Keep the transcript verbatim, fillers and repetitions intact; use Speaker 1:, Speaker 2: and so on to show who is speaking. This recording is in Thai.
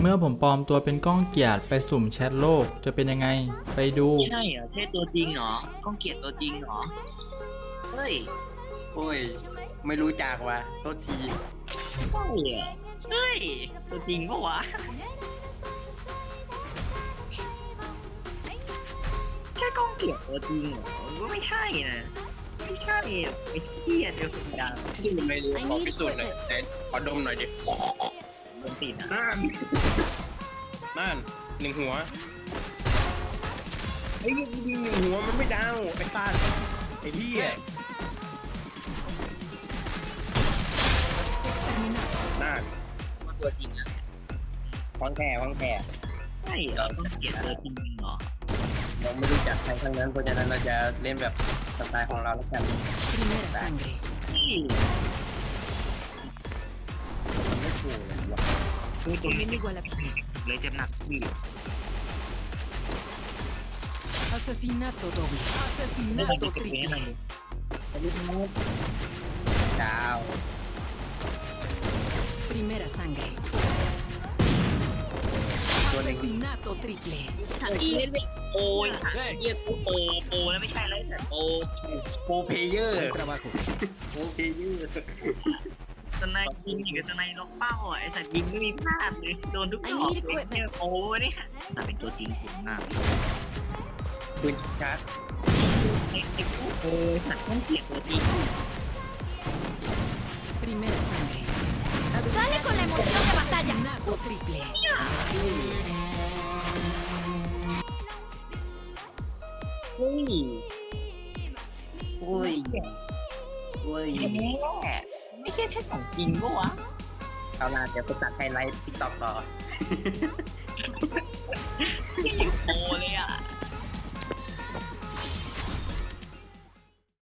Speaker 1: เมื่อผมปลอมตัวเป็นก้องเกียรติไปสุ่มแชทโลกจะเป็นยังไงไปดู
Speaker 2: ใช่เหรอใช่ตัวจริงเหรอก้องเกียรติตัวจริงเหรอเฮ้ย
Speaker 3: โอ้ย ไม่รู้จักว่ะโทษที
Speaker 2: ใช่เหรอเฮ้ยตัวจริงปะวะแค่ก้องเกียรติตัวจริงเหรอก็ไม่ใช่นะไม่ใช่อะไม่เกียรติเดียวกันดัง
Speaker 3: ที่มันไม่รู้ขอพิสูจน์หน่อยไหนขอดมหน่อยดิ
Speaker 2: คนติดนะ
Speaker 3: น่านน่านหนึ่งหัวไอ้ยิงยิงหนึ่งหัวมันไม่ดาวไอ้ฟาดไอ้เหี้ยน่าน
Speaker 2: ตัวจริงอะ
Speaker 3: ฟังแค่ฟังแค่
Speaker 2: ใช่เหรอก้องเกียรติตัวจริงเหรอ
Speaker 3: เราไม่รู้จักใครทั้งนั้นเพราะฉะนั้นเราจะเล่นแบบสไตล์ของเราแล้วกัน
Speaker 4: Primera sangre.
Speaker 2: นี่
Speaker 3: มันไม่ถูกเลยว่ะ
Speaker 2: คือตัวนี้
Speaker 4: Enemigo a la vista.
Speaker 2: เลยเจ็บหนักพี่
Speaker 4: Asesinato doble.
Speaker 2: ไม่ต้อง
Speaker 4: Asesinato
Speaker 2: เก็บไว้ให้
Speaker 4: triple.
Speaker 3: ดาว
Speaker 4: Primera sangre.
Speaker 3: ตัวหนึ่ง
Speaker 4: Asesinato triple.
Speaker 2: สัตว์อีเล่นไม่โอ้ยสัตว์เยี่ยกูโปโปแล้วไม่ใช่แล้วแต่โป
Speaker 3: โปรเพลเยอร์โปรเพลเยอร์
Speaker 2: สไนด์ยิงอยู่กับสไนด์ล็อกเป้าอ่ะไอสัตว์ยิงไม่มีพลาดเลยโดนทุกดอกเลยเนี่ยโปเนี่ยแต่เป็นตัวจริงผมมาก
Speaker 3: ปืนชาร์จ
Speaker 2: ไอ้ไอ้พวกโอ้ยสัตว์ต้องเกลียดตัวจริง
Speaker 4: Primera sangre.
Speaker 5: Dale con la emoción de batalla.
Speaker 4: Asesinato triple.
Speaker 2: เฮ้ย
Speaker 3: โอ้ยโอ้ย
Speaker 2: แย่ไม่ใช่ใช่ของจริงปะวะ
Speaker 3: เอาล่ะเดี๋ยวไปตัดไฮไลท์ติ๊กต็อกต่อ